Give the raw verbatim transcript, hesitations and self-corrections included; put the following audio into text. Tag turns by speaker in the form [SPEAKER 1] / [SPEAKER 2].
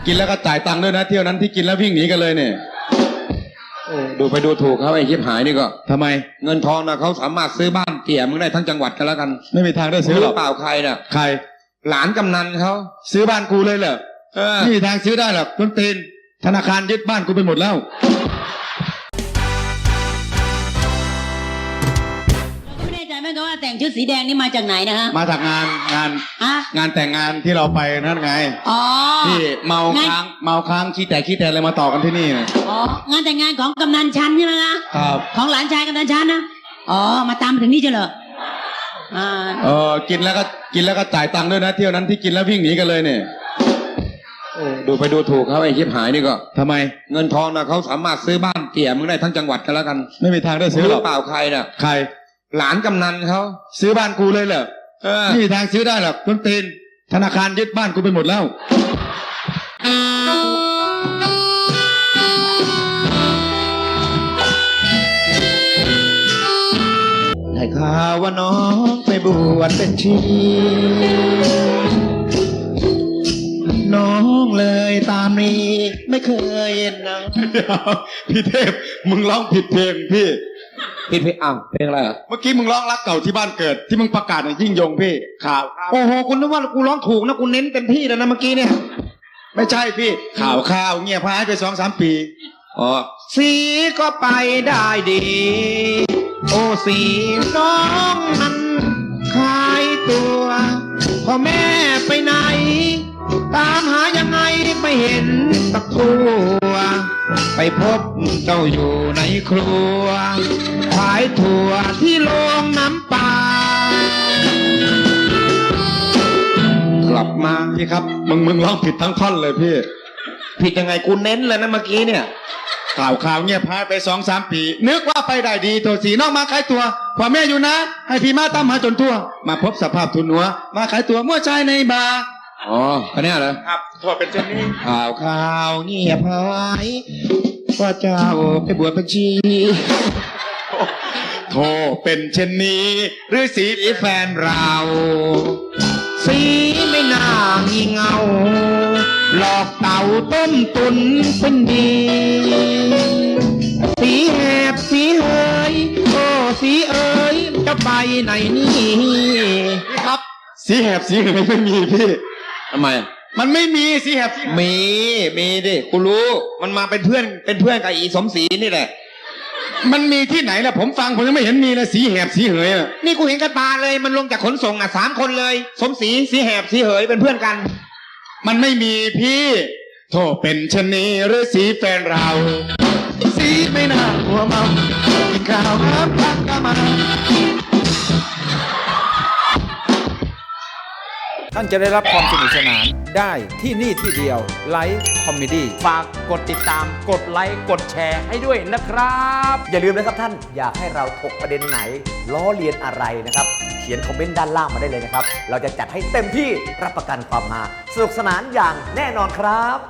[SPEAKER 1] กินแล้วก็จ่ายตังค์ด้วยนะเที่ยวนั้นที่กินแล้ววิ่งหนีกันเลยเนี่ยดูไปดูถูกเขาไอ้ชิบหายนี่ก็ทำไมเงินทองนะเขาสามารถซื้อบ้านเตี่ยมึงได้ทั้งจังหวัดกันแล้วกันไม่มีทางได้ซื้อหรอกเปล่าใครน่ะใครหลานกำนันเขาซื้อบ้านกูเลยเหรอไม่มีทางซื้อได้หรอกต้นตีนธนาคารยึดบ้านกูไปหมดแล้ว
[SPEAKER 2] ไม่แน่ใจไหมครับว่าแต่งชุดสีแดงนี่มาจากไหนนะฮะ
[SPEAKER 1] มาจากงานงานงานแต่งงานที่เราไปนั่นไง
[SPEAKER 2] อ๋อ
[SPEAKER 1] ที่เมาค้างเมาค้างขี้แต่ขี้แต่อะไรมาต่อกันที่นี่นะ
[SPEAKER 2] อ๋องานแต่งงานของกำนันชันใช่ไหมคะ
[SPEAKER 1] ครับ
[SPEAKER 2] ของหลานชายกำนันชันนะอ๋อมาตามถึงนี่เฉลยอ่า
[SPEAKER 1] เออกินแล้วก็กินแล้วก็จ่ายตังค์ด้วยนะเที่ยวนั้นที่กินแล้ววิ่งหนีกันเลยเนี่ยดูไปดูถูกเขาไอ้ชิบหายนี่ก็ทำไมเงินทองนะเขาสามารถซื้อบ้านเตี่ยมึงได้ทั้งจังหวัดกันแล้วกันไม่มีทางได้ซื้อหรอกเปล่าใครน่ะใครหลานกำนันเขาซื้อบ้านกูเลยเหรอไม่มีทางซื้อได้หรอกต้นตีนธนาคารยึดบ้านกูไปหมดแล้วได้ข่าวว่าน้องไปบวชเป็นชีน้องเลยตามนี้ไม่เคยเห็นนะพี่เทพมึงร้องผิดเพลงพี่ผิดเพลงอ้าวเพลงอะไรอ่ะเมื่อกี้มึงร้องรักเก่าที่บ้านเกิดที่มึงประกาศในยิ่งยงพี่ข่าวโอ้โหคุณนึกว่ากูร้องถูกนะกูเน้นเต็มที่แล้วนะเมื่อกี้เนี่ยไม่ใช่พี่ข่าวข่าวเงียบหายไปสองสามปีอ๋อสีก็ไปได้ดีโอ้สีน้องนั้นขายตัวพ่อแม่ไปไหนตามหายังไงไม่เห็นสักตัวไปพบเจ้าอยู่ในครัวขายถั่วที่โรงน้ำปลากลับมาพี่ครับมึงมึงร้องผิดทั้งท่อนเลยพี่ผิดยังไงกูเน้นเลยนะเมื่อกี้เนี่ยข่าวข่าวเงียบหายไปสองสามปีนึกว่าไปได้ดีโทสีน้องมาขายตัวพ่อแม่อยู่นะให้พี่มาตามหาจนทั่วมาพบสภาพทุนหัวมาขายตัวมั่วชายในบาร์อ๋ออันนี้เหรอครับทั่วเป็นเช่นนี้ข่าวข่าวเงียบหายว่าเจ้าไปบวชเป็นชีโทเป็นเช่นนี้หรือสีแฟนเราสีไม่น่างีเงาหลอกเต่าต้มตุนเป็นดีสีแหบสีเฮยโอ้สีเอ๋ยจะไปไหนนี่พี่ครับสีแหบสีเฮยไม่มีพี่ทำไมมันไม่มีสีแหบสีมีมีดิกูรู้มันมาเป็นเพื่อนเป็นเพื่อนกับอีสมศรีนี่แหละมันมีที่ไหนล่ะผมฟังผมยังไม่เห็นมีเลยสีแหบสีเหยอ่ะนี่กูเห็นกันตาเลยมันลงจากขนส่งอ่ะสามคนเลยสมศรีสีแหบสีเหยเป็นเพื่อนกันมันไม่มีพี่โทษเป็นชนีหรือสีแฟนเราสีไม่น่าหัวเมากินข้าวน้ำพักก็มา
[SPEAKER 3] ท่านจะได้รับความสนุกสนานได้ที่นี่ที่เดียวไลฟ์คอมเมดี้
[SPEAKER 4] ฝากกดติดตามกดไลค์กดแชร์ให้ด้วยนะครับอย่าลืมนะครับท่านอยากให้เราถกประเด็นไหนล้อเลียนอะไรนะครับเขียนคอมเมนต์ด้านล่างมาได้เลยนะครับเราจะจัดให้เต็มที่รับประกันความฮาสนุกสนานอย่างแน่นอนครับ